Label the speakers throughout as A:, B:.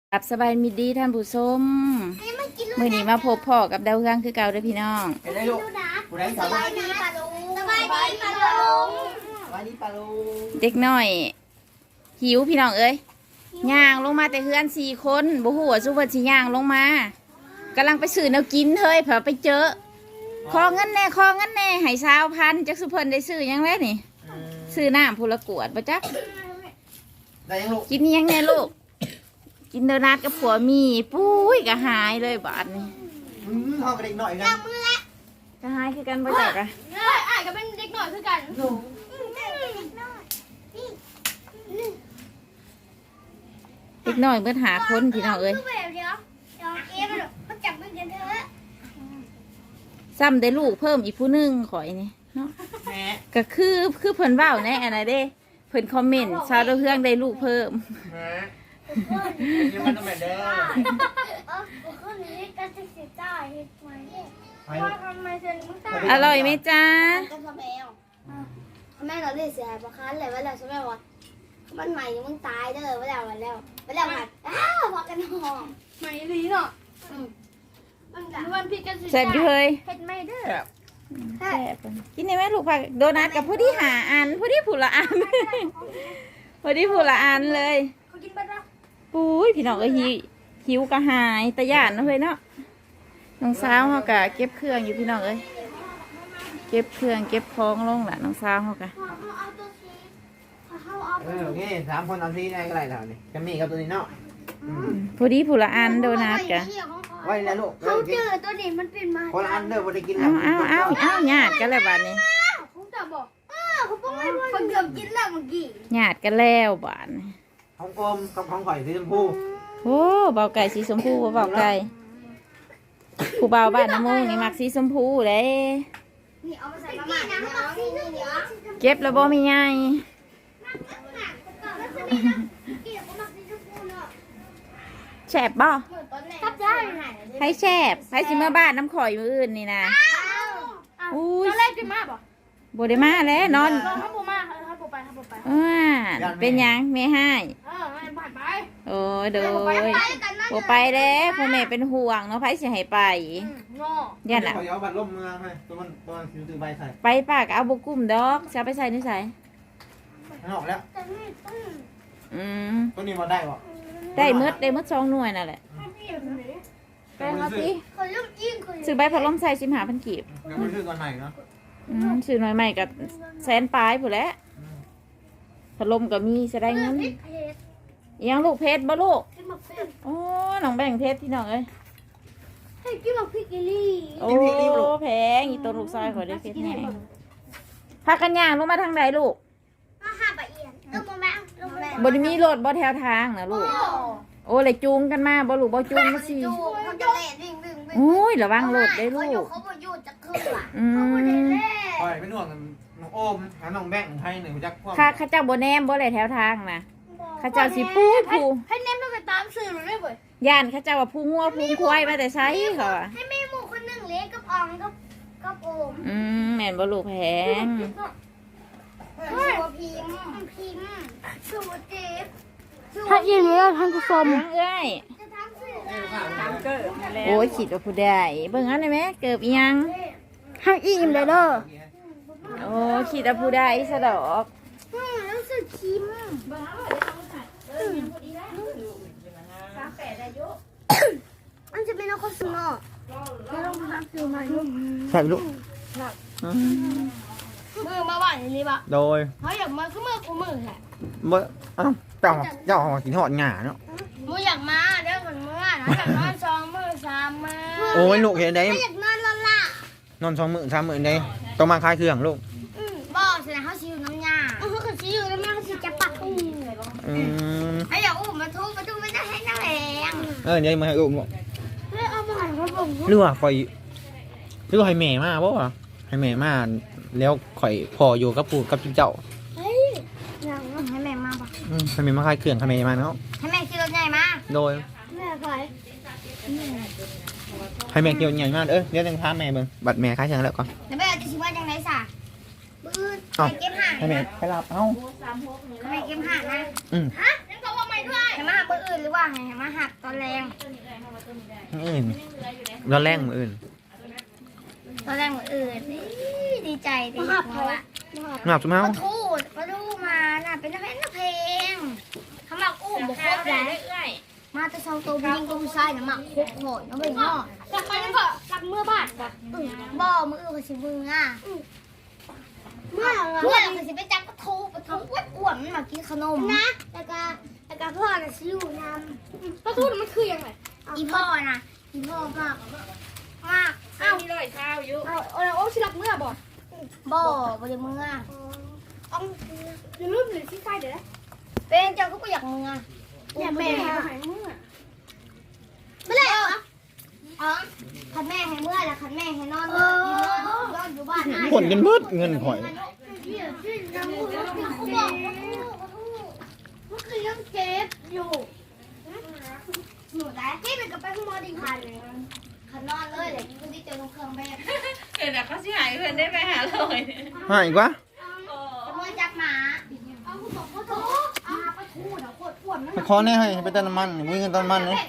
A: กับสบายมิดีท่านผู้ชมมื้อนี้มาพบพ่อกับดาวเรืองคือเก่าเด้อพี่น้อง
B: เห็นได้ลูกผู้ใดสบายดีปลาลุง
C: สบายดีปลาลุง
B: สบายดีปลาลุง
A: เด็กน้อยหิวพี่น้องเอ้ยย่างลงมาแต่เฮือน4 คนบ่ฮู้ว่าซุเพิ่นสิย่างลงมากำลังไปซื้อแนวกินเฮ้ยเผื่อไปเจอขอเงินแน่ให้20,000จักซุเพิ่นได้ซื้อหยังแล้วนี่ซื้อน้ำผู้ละกวดบ่จัก
B: ได้ยังลูก
A: กินยังแน่ลูกกินโดนัทกับผัวมีปุ้ยก็หายเลยบาดนี้
B: ห้องกระดิ่งหน่อยนะ
A: ก็หายคือกันบ่จักอะ
C: เลยอ้ายก็เป็นเด็กหน่อยคือกัน
A: เด็กน้อยเบิดหาคนพี่น้องเอ้ย
C: เดี๋ยวเอ๊ะมันจับมือกันเถอะ
A: ซ้ำได้ลูกเพิ่มอีกผู้หนึงข่อยนี่เนาะ
B: แม่
A: ก็คือเพิ่นเว้าแน่อันน่ะเด้เพิ่นคอมเมนต์ชาวดาวเรืองได้ลูกเพิ่ม
B: แม่ยังมันต้องแบบเด้อ
C: คนนี้ก็จะเสียใจเห็นไหม
B: ไป
C: ว่าทำไมเธอมึงตาย
A: อร่อยไหมจ๊ะ
C: ก็ทำแมวแม่เราเรียกเสียประคันเลยว่าเราใช่ไหมวะมันใหม่มึงตายเด้อว่าแล้วหัดพอกันหอมใหม่ดีเนาะมันพี่กัน
A: แซ่บอยู่เฮ้ย
C: เผ็ดไม่เด้อ
A: แซ่บกินได้ไหมลูกผักโดนัทกับผู้ที่หาอันผู้ที่ผู้ละอัน ผู้ที่ผู้ละอันเลย
C: เขากินไปแล้ว
A: ปุ้ยพี่น้องเอ้ยหิวกระหายตะย่านเนาะเฮ้ยเนาะน้องสาวเขากะเก็บเครื่องอยู่พี่น้องเอ้ยเก็บเครื่องเก็บของลงละน้องสาวเขากะ
C: เอาตัวซีเขาเอา
B: นี่3 คนเอาที่ได้ก็ได้แล้วนี่จะมีกับตัวนี้เนาะ
A: ผู้ที่ผู้ละอันโดนัทกะ
B: ไว้แล้วลูก
C: เขาเจอตัวนี้มันเป็นมา
B: คนละอันเด้อบ่ได้กิน
A: เอาหยาดกันแล้วบาดนี้
C: ผมจะบอกเขาป้องให้คนเกือบกินแล้วเมื่อกี้
A: หยาดกันแล้วบาดนี้
B: ของอมกับของข่อยสีชมพู
A: โอ้เบาไก่สีชมพูบ่เบาไก่ผู้เบาบ้านน้ำมูกนี่มักสีชมพูเลย
C: นี่เอามาใส่มาหมาเนี่ยเอานี่เดี๋ยว
A: เก็บแล้วบ่มีไงแฉบบ่
C: ทับได้
A: ให้แฉบให้สิมาบ้านน้ำข่อยมืออื่นนี่นะอุ้ย
C: ตอนแรกกินมากป่ะ
A: บ่ได้มาแล้วนอน
C: ถ้าปูมากถ้าปูไป
A: เป็นหยังไม่ให้
C: ไม่ผ่านไป
A: โอ้ยโดยบ่ไปแล้วพ่อแม่เป็นห่วงเนาะไผสิให้ไป
C: งอ
A: ยันน่ะ
B: ข่อยเอาบัตรล่มเมืองให้ตัวมันซื้อใบใส่
A: ไปปากเอาบ่กุ้มดอกจะเอาไปใส่นิสัย
B: มันออกแล้ว
A: อืม
B: ตัวนี้มาได้บ่
A: ได้หมด2 หน่วยนั่นแหละไปหาสิ
C: คนลุ่มยิ่งคน
A: ซื้อใบพัดลมใส่15,000กีบ
B: ยังไม่ซื้อก่อนใหม่เนาะ
A: ซื้อหน่วยใหม่กับแสนปลายพุ่นแหละพัดลมก็มีสิได้เงิน
C: เพชร
A: อีหยังลูกเพชรบ่ลูก
C: กินหมกเพชร
A: โอ้น้องแบ่งเพชรที่น้องเอ้ย
C: ให้กินหมกพริกกิลี่
A: โอ้แพงอีตัวลูกชายขอได้เพชรแน่พากันย่างลงมาทางใดลูก
C: มาหาปะเอียนลูกโมแม่ลูกโมแม่
A: บ่ได้มีรถบ่แถวทางนะลูกโอ้เลยจูงกันมาบ่ลูกบ่จูงมาสิ
C: จูเขาจะเล่นวิ่ง
A: โอ้ยระวังรถได้ลูก
C: เขาบ่อยู่จะขึ้นว่ะ
A: อื
C: เขาบ่ได้
A: ม
C: เล่
B: ข่อยเป็นห่วงน้องโอมหาน้องแบงค์ให้หนึ่งจักพวก
A: ข้าเจ้าบ่แนมบ่เลยแถวทางนะข้าเจ้าสิปูผู้
C: ให้เน้นมันไปตามสื่อหรือไม่เว้ย
A: ย่านข้าเจ้าว่าผู้งัวผู้ควายมาแต่ไสเขาอ่ะ
C: ให้แม่หมูคนหนึ่งเลี้ยงกับอองกับโอม
A: แม่นบ่ลูกแพง
C: ตัวพิมสูเจ็บ
A: ถ้าอิ่มแล้วท่านผู้ชมเอ้ย
C: จะทำสื่อ
A: โอ้ยคิดว่าผู้ใดเบิ่งอันได้ไหมเกิบอีหยัง
C: ให้อิ่มเลยเด้อ
A: โอ้คิดว่าผู้ใดซะดอก
C: รู้สึกชิมมันจะเป็นอะไรสนอไม่ต้องทำสื่อมาลูก
B: ใช่ลูก
C: มือมาบ้านนี่ปะ
B: โดย
C: เขาอยากมาคือมือกูมือแหละ
B: เมื่อเจ้ากินหอดหงาเนาะ
C: มืออยากมาเดี๋ยวคนมือนะอยากนอน2 มือ3 มือ
B: โอ้ยลูกเห็นได้
C: อยากนอนละล่ะ
B: นอน2 มื้อ3 มื้อได้ต้องมาคลายเครื่องลูก
C: บอกสินะเขาชิวน้ำยาเขาชิวน้ำยาเขาชิจะปักอุ้ม ไอ้อย่าอุ้มมาทุบไม่ได้ให้น้าแรง
B: เดี๋ยวมาให้อุ้มลูก
C: เอามาให้ผม
B: หรือว่าข่อยหรือว่าให้แม่มาบ่วะให้แม่มาแล้วข่อยพออยู่กับปู่กับเจ้า
C: เฮ้ยอย่างนั้นให้แม่มาปะ
B: ให้แม่มาคลายเครื่องให้แม่มาเนาะ
C: ให้แม่ขี่รถใหญ่มา
B: โดย
C: แม่ไป
B: ให้แม่เกี่ยวใหญ่มากเดี๋ยวจะพาแม่เบิ่งบัตรแม่คลายเครื่องแล้วก่อน
C: แล้วแม่จะชิมว่าจังไรสะบื้อ
B: เอ้า
C: ไปเก็บห่าง
B: ให้แม่ไปรับเอ้า
C: แม่เก็บห่างนะ
B: อืม
C: ฮะนั่นก็ว่าไม่ให้มาหักมืออื่นหรือว่าให้มาหักตอนแรง
B: อื่นร้อนแรงมืออื่น
C: ตอนแรงมืออื่นดีใจดีเพราะว่า
B: หนับสมัย
C: มาทูมาน่ะเป็นนักเพลงเขามาอุ้มบุคคลแล้วมาแต่ชาวตัวยิงตัวผู้ชายน่ะมาคุกโหดน้องเป็นพ่อจากไปนั่นก็รักเมื่อบาทบ่มืออื่นสิมืออ่ะเมื่อเราสิไปจับปะทูอ้วนมันมากินขนมนะแต่ก็พ่อน่ะชิวนำปะทูมันคือยังไงอีพ่อน่ะอีพ่อมากเอ้า
A: มีเลยข้าวอยู่
C: โอ้ชิลักเมื่อบ่บ่ได้เมื่อเอาอย่าลืมหรือที่ใกล้เดี๋ยวเป็นเจ้าก็อยากเมื่ออยากแม่หายเมื่อไม่เลยเหรอคันแม่ให้เมื่อแล้วคันแม่ให้นอนนอนอยู่บ้าน
B: ผลกันเบิดเงินข่อย
C: เขาบอกว่าคือยังเก็บอยู่หนูได้ที่เป็นกับไปคุณหมอดีพันเลยคันนอนเลยเลยคุณที่เจอตรงเครื่องแบบ
A: เดี๋ยวเขาสิหายเพื่อนได้ไปหาเลย
B: หายอีกวะ
C: จะมาจับหมาเอาคุณบอกเขาโตเอาไปทูดเอาโคตรอ้วนมัน
B: ไปขอแน่ให้ไปเติมน้ำมันมึงเงินเติมน้ำมันเลย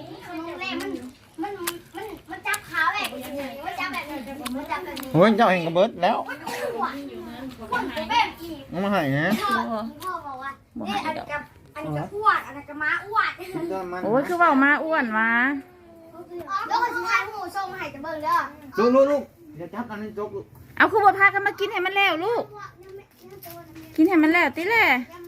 C: มันจับขาแบบนี้มันจับแบบนี้มันจับแบบนี้
B: โอ้ยเจ้าเองก็เบิดแล้ว
C: มันขวดแบบอีก
B: มึงมาใหายนะ
C: พ่อบอกว่านี่อันนี้กับขวดอันนี้กับม้าอ้วน
B: เติมน้ำมัน
A: โอ้ยคือเว่ามาอ้วนมา
C: แล้วก็ชิ้นท้ายหมูส่งให้จะเบิ่งเด้อ
B: ลูกอย่าจับอันนี้จกลูก
A: เอาคือบ่พากันมากินให้มันแล้วลูก กินให้มันแล้วติแหละ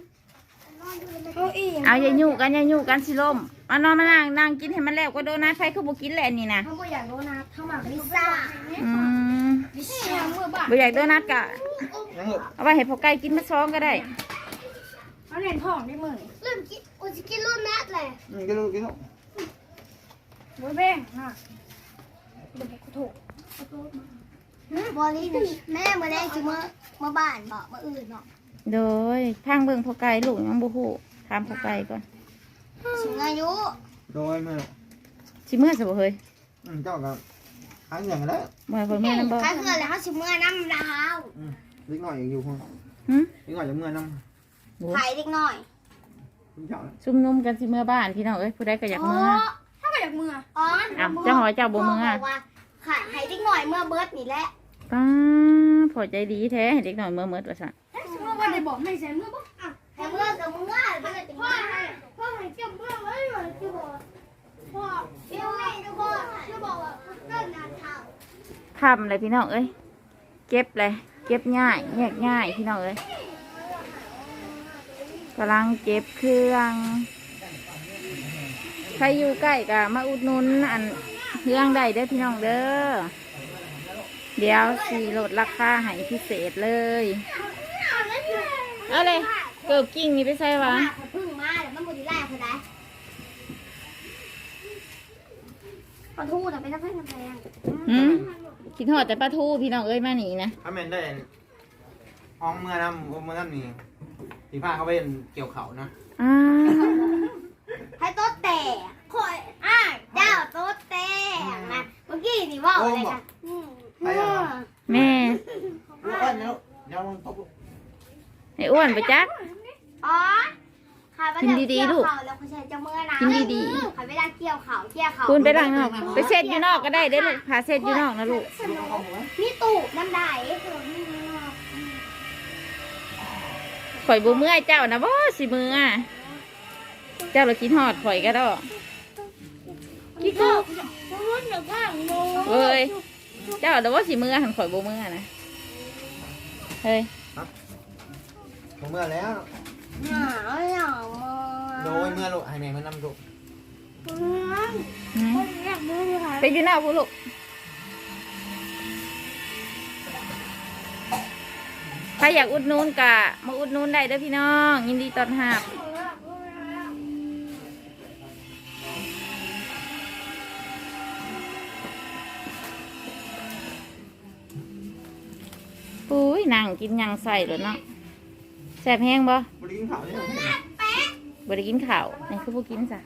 A: เอาอย่ายุ่กันสิลมมานอนมานั่งกินให้มันแล้วก็โดนัทไฟคือบ่กินแหละนี่นะ
C: เขาบอกอยากโดนัทเข้ามาลิซ่า
A: อืม
C: ลิซ่าเมื่อบ่าย
A: บ่อยากโดนัทกะ
B: ยังลูก
A: เอาไว้ให้พ่อไก่กินมาซ้อมก็ได้
C: เขาเล่นท้องได้มื้อนี่เริ่มกินอุจิกินรุ่นนัทเลย
B: กินลูกกินลูก
C: โว้ยแบ่งน่ะเดี๋ยวกูถูกบอลลี่แม่มาได้สิเมื่อบ้านบอกมื่ออื่นเนาะ
A: โดยทางเบิ่งพ่อไก่ลูกยังบ่ฮู้ถามพ่อไก่ก่อน
C: สิอายุ
B: โดยแม่
A: สิเมื่อซะบ่เฮ้ย
B: เจ้าก็หายอย่างแล้ว
A: บ่ให้คนเมื่อนํบ่
C: ใครเพื่อนแล้วเขาสิเมื่อน้ำดาว
B: เล็กหน่อยอยู่คน
A: หึ
B: เล็กหน่อยจะเมื่อน้ำ
C: ไข่เด็กหน่อย
B: คุณเจ้า
A: ซุ่มนุมกันสิเมื่อบ้านพี่น้องเอ้ยผู้ใดก็อยากเมื่อ
C: ถ้าไม่อยากเมื่ออ๋อ
A: อ้าวเจ้าหอยเจ้าบ่เมื่อ
C: บอกว่าไข่เด็กหน่อยเมื่อเบิร์ดนี่แหละ
A: ป้าพอใจดีแท้ให้เด็กน้อยเมื่อว่าซั่น
C: เมื่อวันไหนบอกไม่ใช่เมื่อปุ๊บแต่เมื่อกับเมื่อเป็นอะไรพ่อให้เจ้าเมื่อไว้หน่อยจะบอกพ่อเดี๋ยวแม่จะบอกว่าเกินงานเท้า
A: ทำเลยพี่น้องเอ้ยเก็บเลยเก็บง่ายแยกง่ายพี่น้องเอ้ยกำลังเก็บเครื่องใครอยู่ใกล้ก็มาอุดหนุนอันเครื่องได้เด้อพี่น้องเด้อเดี๋ยวสีลดราคาให้พิเศษเลยเอาเลยเกิบกิ้งนี่ไปใส่วะ
C: พึ่งมาเดี๋ยวมันบุรีไล่เขาได้ปลาทูแต่เป็นน้ำแพงน้ำแพง
A: หืมคิดหอดแต่ปลาทูพี่น้องเอ้ยมาหนีนะ
B: ถ้าแม่ได้ห้องเมื่อน้ำเมื่อน้ำนี่สีผ้าเขาเป็นเกี่ยวเขานะ
A: อ้า
C: ให้โต๊ะแตกคอยเจ้าโต๊ะแตกนะเมื่อกี้นี่ว่าอะไรกัน
A: แม่
B: ลูกอ้อนนะลูกเดี๋ยวลงตบลูก
A: ให้อ้วนไปจัก
C: อ๋อค่ะแล้วเขาใช้จะเมื่อนะค่ะเวลาเกี่ยวเขา
A: คุณไปดังนอกไปเซ็ตอยู่นอกก็ได้เด้อลูกพาเซ็ตอยู่นอกนะลูก
C: นี่ตูบน้ำได้
A: ข่อยบูเมื่อยเจ้านะบ่สิมืออ่ะเจ้าเรากินหอดข่อยก็ดอกกี่กูเฮ้ยเจ้าแต่ว่าสิมือหันข่อยบูเมื่อนะเฮ้ย
B: ผมเมื่อแล้ว
C: หนาวหนาว
B: โดยเมื่อลูกให้แม่มานำลูก
C: อยากมือเลยค่ะ
A: ไปอยู่หน้าพูลูกใครอยากอุดหนุนกะมาอุดหนุนได้เด้อพี่น้องยินดีต้อนรับปุ้ยนั่งกินหยังใส่เลยเนาะแซ่บแห้งบ่
B: บริกินข้าวนี่เหรอ
A: บ่ได้กินข้าวนี่คือบ่กินจ้ะ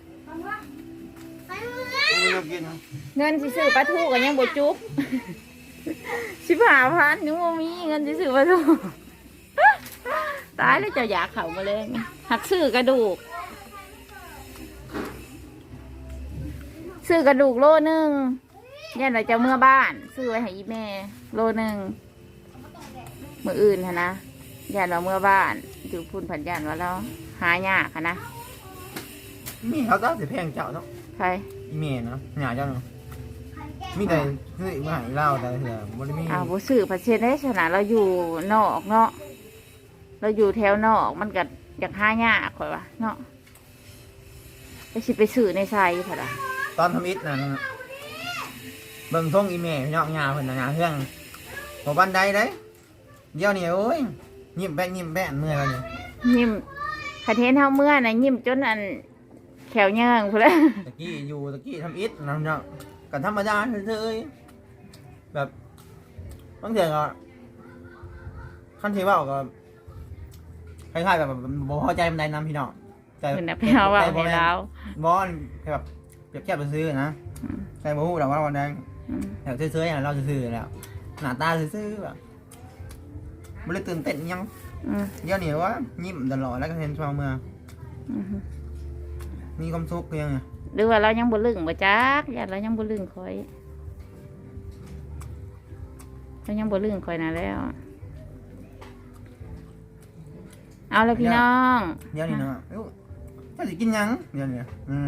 B: ไม่ต้องกิน
A: เงินสิซื้อปลาทูก็ยังบ่จุก 15,000ยังบ่มีเงินสิซื้อปลาทู ตายแล้วเจ้าอยากเข้ามาเลยหักซื้อกระดูกซื้อกระดูกโลนึงยันเราจะเมื่อบ้านซื้อไว้ให้อีแม่โลนึงมื้ออื่นค่ะนะยันเราเมื่อบ้านอยู่พุ่นผันยันว่าเราหายากค่ะนะ
B: มีเขาต้องสิแพงเจ้าเนาะ
A: ใคร
B: อีเมลเนาะหยาเจ้าเนาะมีแต่คือมาหายเล่าแต่เถื่อบ่ได้มี
A: อ้าวบ่ซื้อผัดเชนได้ชนะเราอยู่นอกเนาะเราอยู่แถวนอกมันก็อยากหายากข่อยว่าเนาะไปสิไปซื้อในไซค่ะล่ะ
B: ตอนทำอิฐนั่นเบิ่งท่งอีเมลพี่น้องหยาเพิ่นน่ะหยาเครื่องบ่บันไดเด้เดี๋ยวนี้โอ้ยยิ้มแป้นเมื่อยแล้วนี่
A: ยิ้มคันเทนเฮาเมื่อน่ะยิ้มจนอันแขวเยื่องพุ่นแหละ
B: ตะกี้ทำอิฐนะพี่น้องก็ธรรมดาเฉยๆแบบบางเทื่อก็คันที่เว้าก็คล้ายๆแบบบ่พอใจปานใดนํพี่น้องแต่
A: เพิ่นน่ะไปเอาว่าให้เรา
B: บ่แบบเปรียบเทียบไปซื้อนะ
A: อืม
B: ใครบ่ฮู้ดอกว่าวันใด
A: อืม
B: แถวซื้อๆอย่างเราซื้อๆแล้วหน้าตาซื้อๆแบบไม่ได้ตื่นเต้นอิหยัง
A: อืม
B: เดี๋ยวนี้ว่ายิ้มตลอดแล้วก็เห็นชาวเมือง
A: อืม
B: มีความสุขเพียงไง
A: หรือว่าเรายังบ่ลึงบ่จักญาติเรายังบ่ลึงคอยเรายังบ่ลึงคอยนะแล้ว เอาละพี่น้อง
B: เดี๋ยวนี้เนาะเอ้าจะสิกินหยังเดี๋ยวนี้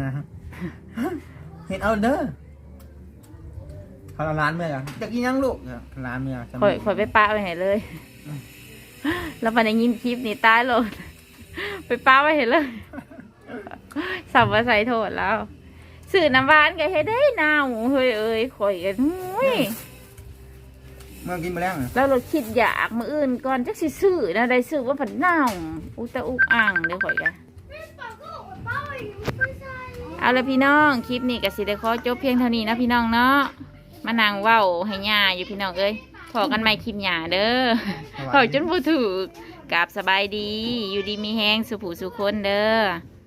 B: เห็นเอาเด้อเขาเอาร้านเมื่อกันจะกินหยังลูกเนี่ยร้านเมื่อจะ
A: คอยไปปะไว้ให้เลย แล้วมันได้ยินคลิปนี่ตายโลด ไปปะไว้ให้เลย สับว่าใส่โทษแล้วสื่อน้ำหวานแกให้ได้นาวเฮ้ยเอ้ยข่อยกันหุ้ย
B: เมื่อกินไปแล้ว
A: แล้วเราคิดอยากมืออื่นก่อนจักสิซื้อนะได้ซื้อว่าผันนาวอุตะอุกอ่างเดี๋ยวข่อยกันเอาละพี่น้องคลิปนี้ก็สิได้ขอจบเพียงเท่านี้นะพี่น้องเนาะมานั่งเว้าให้ย่าอยู่พี่น้องเอ้ยพอกันใหม่คลิปหย่าเด้อพอจนบ่ถูกกราบสบายดีอยู่ดีมีแฮงสุผู้สุคนเด้อ